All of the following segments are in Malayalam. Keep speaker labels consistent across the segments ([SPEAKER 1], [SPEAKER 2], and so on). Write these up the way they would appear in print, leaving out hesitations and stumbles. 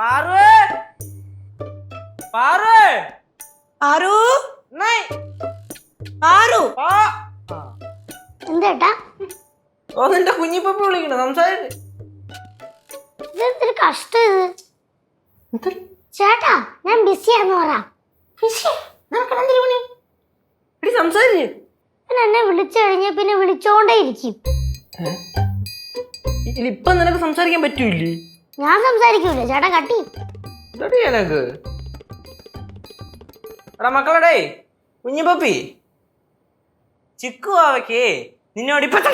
[SPEAKER 1] പാറു പാറു
[SPEAKER 2] പാറു പാറു
[SPEAKER 3] എന്തേട്ടാ
[SPEAKER 1] ഓ നിന്റെ കുഞ്ഞിപ്പപ്പ വിളിക്കണ സംസാരിക്ക്.
[SPEAKER 3] ഇതെന്തൊരു കഷ്ടം ഇത്. ചേട്ടാ ഞാൻ ബിസിയാന്ന് പറ.
[SPEAKER 1] സംസാരിച്ച്
[SPEAKER 3] എന്നെ വിളിച്ചു കഴിഞ്ഞ പിന്നെ വിളിച്ചോണ്ടേ ഇരിക്കും.
[SPEAKER 1] ഇപ്പൊ നിനക്ക് സംസാരിക്കാൻ പറ്റൂല്ലേ?
[SPEAKER 3] ഞാൻ സംസാരിക്കൂല, ചേട്ടാ കട്ടി.
[SPEAKER 1] എനക്ക് എടാ മക്കളടേ കുഞ്ഞിപ്പപ്പി ചിക്കുവാവയ്ക്ക് നിന്നോട് ഇപ്പൊ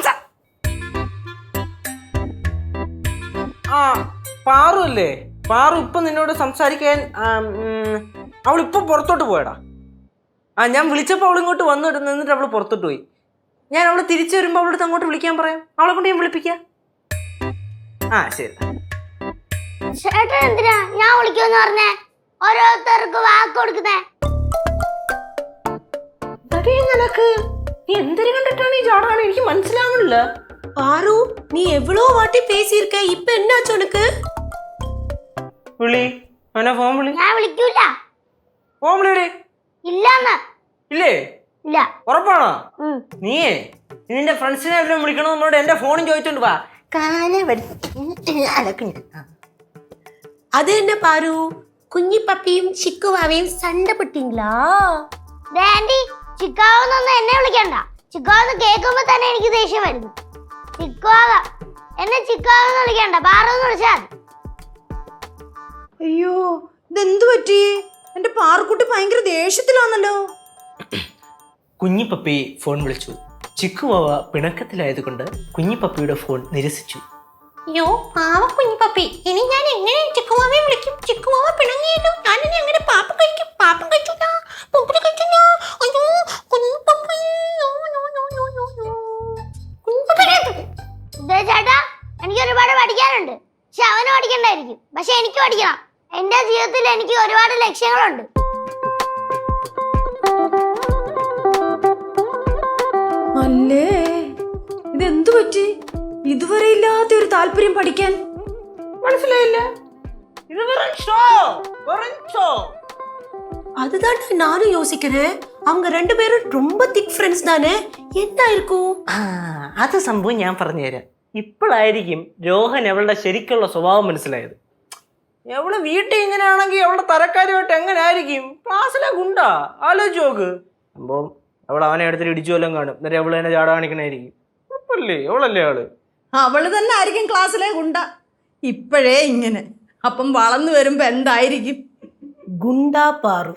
[SPEAKER 1] പാറു അല്ലേ, പാറു ഇപ്പൊ നിന്നോട് സംസാരിക്കാൻ അവളിപ്പൊ പുറത്തോട്ട് പോയടാ. ഞാൻ വിളിച്ചപ്പോൾ അവൾ ഇങ്ങോട്ട് വന്നിട്ട് നിന്നിട്ട് അവള് പുറത്തോട്ട് പോയി. ഞാൻ അവള് തിരിച്ചു വരുമ്പോ അവളടുത്ത് അങ്ങോട്ട് വിളിക്കാൻ പറയാം, അവളെ കൊണ്ട് ഞാൻ വിളിപ്പിക്കാം. ശരി.
[SPEAKER 3] ചേട്ടൻ എന്തിനാ ഞാൻ വിളിക്കുമെന്ന് പറഞ്ഞേ? ഓരോരുത്തർക്ക് വാക്ക് കൊടുക്കുന്നേ.
[SPEAKER 1] നിനക്ക് നീ എന്തൊരു കണ്ടിട്ടാണ് ഈ ചാടാണ് എനിക്ക് മനസ്സിലാവണില്ല.
[SPEAKER 2] பாரு நீ எவ்வளோ வாட்டி பேசியிருக்க, இப்ப என்னாச்சு உனக்கு?
[SPEAKER 1] വിളി അവനെ ഫോൺ വിളി.
[SPEAKER 3] ഞാൻ വിളിക്കൂല.
[SPEAKER 1] ഫോൺ വിളിയേ.
[SPEAKER 3] ഇല്ലാന്ന്.
[SPEAKER 1] ഇല്ലേ?
[SPEAKER 3] ഇല്ല.
[SPEAKER 1] ഉറപ്പാണോ? നീയേ നിന്റെ ഫ്രണ്ട്സിനെ എല്ലാം വിളിക്കണം എന്നോട് എന്റെ ഫോണും ചോദിച്ചോണ്ട് വാ.
[SPEAKER 2] அது என்ன பாரு, കുഞ്ഞി പപ്പിയും ചിക്കുവാവയും സണ്ട പെട്ടീங்களா?
[SPEAKER 3] ആന്റി ചിക്കാവെന്നൊന്നും എന്നെ വിളിക്കണ്ട. ചിക്കാവെന്ന് കേൾക്കുമ്പോ തന്നെ എനിക്ക് ദേഷ്യം വരുന്നു. ചിക്കാവ എന്നെ ചിക്കാവെന്ന് വിളിക്കണ്ട, പാറെന്ന് വിളിച്ചാൽ.
[SPEAKER 2] അയ്യോ ഇതെന്തു പറ്റി? എന്റെ പാറുക്കുട്ടി ഭയങ്കര ദേഷ്യത്തിലാണല്ലോ.
[SPEAKER 1] കുഞ്ഞിപ്പപ്പി ഫോൺ വിളിച്ചു. ചിക്കുവാവ പിണക്കത്തിലായതുകൊണ്ട് കുഞ്ഞിപ്പപ്പിയുടെ ഫോൺ നിരസിച്ചു.
[SPEAKER 4] അയ്യോ പാവ കുഞ്ഞിപ്പപ്പി, ഇനി ഞാൻ എങ്ങനെ ചിക്കുവാവയെ വിളിക്കും? ചിക്കുവാവ പിണങ്ങിയല്ലോ, ഞാൻ ഇനി എങ്ങനെ പാപ്പം കഴിക്കും? പാപ്പം കഴിച്ചില്ല, പൊപ്പടി കഴിച്ചില്ല. അയ്യോ കുഞ്ഞിപ്പപ്പി.
[SPEAKER 3] ചേട്ടാ എനിക്ക് ഒരുപാട് പഠിക്കാനുണ്ട്. പക്ഷെ അവന് പഠിക്കണ്ടായിരിക്കും, പക്ഷെ എനിക്ക് പഠിക്കണം. എന്റെ ജീവിതത്തിൽ എനിക്ക് ഒരുപാട് ലക്ഷ്യങ്ങളുണ്ട്.
[SPEAKER 2] അല്ലേ ഇതെന്തു പറ്റി? ഇതുവരെ ഇല്ലാത്ത ഒരു താല്പര്യം പഠിക്കാൻ.
[SPEAKER 1] മനസ്സിലായില്ല? ഇത്
[SPEAKER 2] அதுதான் நானும் யோசிக்கிறேன். அவங்க ரெண்டு பேரும் ரொம்ப திக் ஃப்ரெண்ட்ஸ் தானே, என்ன இருக்கும்?
[SPEAKER 1] അത് സംഭവം ഞാൻ പറഞ്ഞുതരാം. ഇപ്പോഴായിരിക്കും രോഹൻ അവളുടെ ശരിക്കുള്ള സ്വഭാവം മനസ്സിലായത്. എവള് വീട്ടിൽ ഇങ്ങനെയാണെങ്കിൽ അവളുടെ തരക്കാരുമായിട്ട് എങ്ങനെ ആയിരിക്കും? ക്ലാസ്സിലെ ഗുണ്ടാ, ആലോചിച്ച് നോക്ക്. സംഭവം അവൾ അവനെ അടുത്തിട്ട് ഇടിച്ചു വല്ലതും കാണും, എന്നിട്ട് അവള് തന്നെ ചാട കാണിക്കണായിരിക്കും. ഉറപ്പല്ലേ? അവളല്ലേ ആള്?
[SPEAKER 2] അവള് തന്നെ ആയിരിക്കും ക്ലാസ്സിലെ ഗുണ്ട. ഇപ്പോഴേ ഇങ്ങനെ, അപ്പം വളർന്നു വരുമ്പോ എന്തായിരിക്കും? ഗുണ്ടാ പാറു.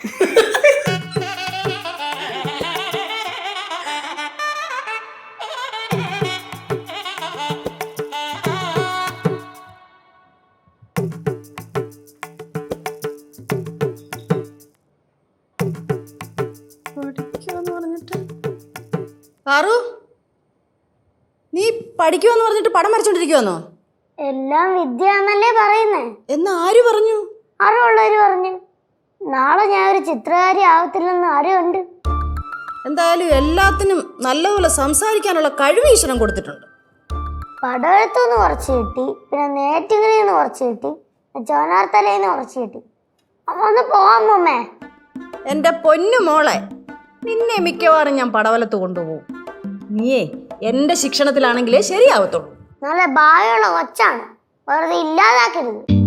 [SPEAKER 2] പാറു നീ പഠിക്കുമെന്ന് പറഞ്ഞിട്ട് പടം വരച്ചോണ്ടിരിക്കുവാന്നോ?
[SPEAKER 3] എല്ലാം വിദ്യ എന്നല്ലേ പറയുന്നേ.
[SPEAKER 2] എന്ന് ആര് പറഞ്ഞു?
[SPEAKER 3] അറിവുള്ളവര് പറഞ്ഞു. നാളെ ഞാൻ ഒരു ചിത്രകാരി ആവത്തില്ലെന്ന് ആരുണ്ട്.
[SPEAKER 2] എന്തായാലും എല്ലാത്തിനും നല്ലപോലെ സംസാരിക്കാനുള്ള കഴിവ് ഈശ്വരൻ കൊടുത്തിട്ടുണ്ട്.
[SPEAKER 3] പടവെഴുത്തുനിന്ന് കുറച്ച് കിട്ടി, പിന്നെ നേറ്റിങ്ങിന്ന് കുറച്ച് കിട്ടി, ചോനാർത്തലയിന്ന് കുറച്ച് കിട്ടി. ഒന്ന് പോവാൻ മുമ്മേ.
[SPEAKER 2] എൻ്റെ പൊന്നു മോളെ, നിന്നെ മിക്കവാറും ഞാൻ പടവലത്ത് കൊണ്ടുപോകും. നീയേ എൻ്റെ ശിക്ഷണത്തിലാണെങ്കിലേ ശരിയാവത്തുള്ളൂ.
[SPEAKER 3] നല്ല ഭാവിയുള്ള കൊച്ചാണ്, വെറുതെ ഇല്ലാതാക്കരുത്.